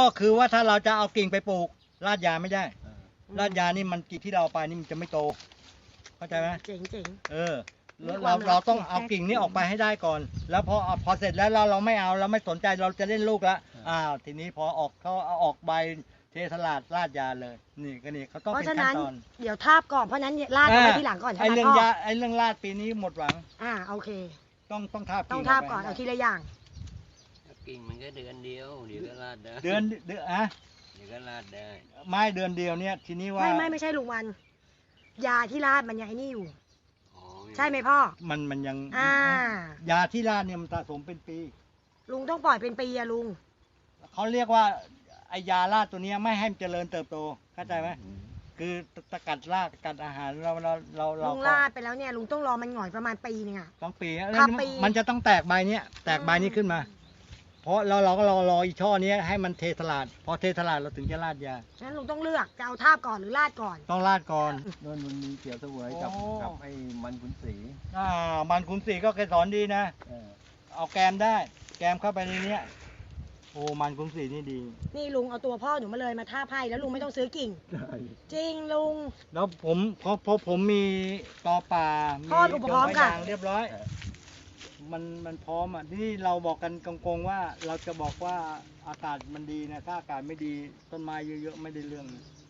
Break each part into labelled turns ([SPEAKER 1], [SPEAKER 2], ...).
[SPEAKER 1] คือว่าถ้าเราจะเอากิ่งไปปลูกลาดยาไม่ได้ลาดยานี่มันกิ่งที่เราเอาไปนี่มันจะไม่โตเข้าใจไหม
[SPEAKER 2] เจ๋ง
[SPEAKER 1] เราต้องเอากิ่งนี้ออกไปให้ได้ก่อนแล้วพอเสร็จแล้วเราไม่เอาเราไม่สนใจเราจะเล่นลูกแล้วทีนี้พอเขาเอาออกใบเทสลาดลาดยาเลยนี่เขาต้องเป็นขั้นตอน
[SPEAKER 2] เดี๋ยวทาบก่อนเพราะนั้นลาดไปทีหลังก่อนใช่ไหมพ่อ
[SPEAKER 1] ไอ้เรื่องลาดปีนี้หมดหวัง
[SPEAKER 2] โอเค
[SPEAKER 1] ต้องทาบ
[SPEAKER 2] ก่อนเอาทีละอย่าง
[SPEAKER 3] กิ่งมันก็เดือนเดียวเดี๋ยวก็ลาดได้
[SPEAKER 1] เดือนเ
[SPEAKER 3] ดี๋ยวก็ลาดได้
[SPEAKER 1] ไม่เดือนเดียวเนี่ยทีนี้ว่า
[SPEAKER 2] ไม่ใช่ลุงวันยาที่ลาดมันยังไอ้นี่อยู่ใช่ไหมพ่อ
[SPEAKER 1] มันยังยาที่ลาดเนี่ยมันสะสมเป็นปี
[SPEAKER 2] ลุงต้องปล่อยเป็นปีอะลุง
[SPEAKER 1] เขาเรียกว่าไอยาลาดตัวนี้ไม่ให้มันเจริญเติบโตเข้าใจไหมคือตะกัดรากกัดอาหารเรา
[SPEAKER 2] ลุงลาดไปแล้วเนี่ยลุงต้องรอมันหง่อยประมาณปีนึงอะ
[SPEAKER 1] ต้องปีมันจะต้องแตกใบนี้แตกใบนี้ขึ้นมาเพราะเราก็รออีช่อนี้ให้มันเทสลาดพอเทสลาดเราถึงจะลาดยา
[SPEAKER 2] ฉะนั้นลุงต้องเลือกจะเอาทาบก่อนหรือลาดก่อน
[SPEAKER 1] ต้องลาดก่อน
[SPEAKER 4] มันมีเกี่ยวเสวยกับไอ้มันขุนศรี
[SPEAKER 1] มันขุนศรีก็เคยสอนดีนะเอาแกมได้แกมเข้าไปในนี้โอ้มันขุนศรีนี่ดี
[SPEAKER 2] นี่ลุงเอาตัวพ่อหนูมาเลยมาทาบให้แล้วลุงไม่ต้องซื้อกิ่งจริงลุง
[SPEAKER 1] แล้วพอผมมีตอป่ามี
[SPEAKER 2] พร้อมค่ะ
[SPEAKER 1] เรียบร้อยมันพร้อมที่เราบอกกันกงๆว่าเราจะบอกว่าอากาศมันดีนะถ้าอากาศไม่ดีต้นไม้เยอะๆไม่ได้เรื่อง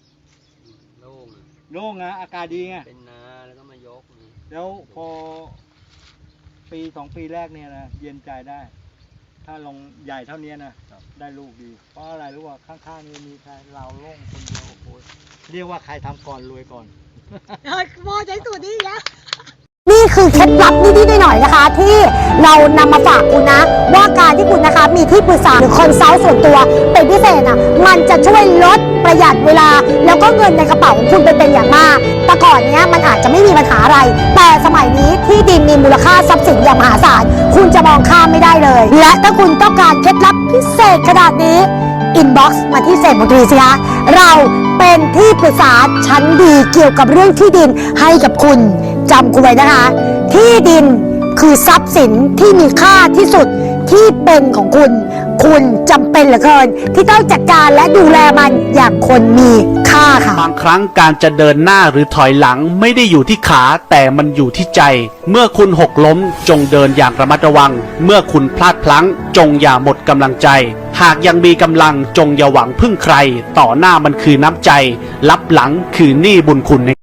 [SPEAKER 1] โล่งนะอากาศดีไง
[SPEAKER 3] เป็นนาแล้วก็มายก
[SPEAKER 1] แล้วพอปี2 ปีแรกเนี่ยนะเย็นใจได้ถ้าลงใหญ่เท่านี้นะได้ลูกดีเพราะอะไรรู้ว่าข้างๆนี้มีใครเราโล่งคนเดียวโอ้ยเรียกว่าใครทำก่อนรวยก่อน
[SPEAKER 2] พ่อใช้สูตรนี้แล้วนี่คือเคล็ดลับนิดๆหน่อยๆนะคะที่เรานำมาฝากคุณนะว่าการที่คุณนะคะมีที่ปรึกษาหรือคอนซัลท์ส่วนตัวเป็นพิเศษมันจะช่วยลดประหยัดเวลาแล้วก็เงินในกระเป๋าของคุณเป็นอย่างมากแต่ก่อนนี้มันอาจจะไม่มีปัญหาอะไรแต่สมัยนี้ที่ดินมีมูลค่าทรัพย์สินอย่างมหาศาลคุณจะมองข้ามไม่ได้เลยและถ้าคุณต้องการเคล็ดลับพิเศษขนาดนี้อินบ็อกซ์มาที่เศรษฐมนตรีสิคะเราเป็นที่ปรึกษาชั้นดีเกี่ยวกับเรื่องที่ดินให้กับคุณจำกูไว้นะคะที่ดินคือทรัพย์สินที่มีค่าที่สุดที่เป็นของคุณจำเป็นเหลือเกินที่ต้องจัดการและดูแลมันอย่างคนมีค่าค่ะ
[SPEAKER 5] บางครั้งการจะเดินหน้าหรือถอยหลังไม่ได้อยู่ที่ขาแต่มันอยู่ที่ใจเมื่อคุณหกล้มจงเดินอย่างระมัดระวังเมื่อคุณพลาดพลั้งจงอย่าหมดกำลังใจหากยังมีกำลังจงอย่าหวังพึ่งใครต่อหน้ามันคือน้ำใจรับหลังคือหนี้บุญคุณ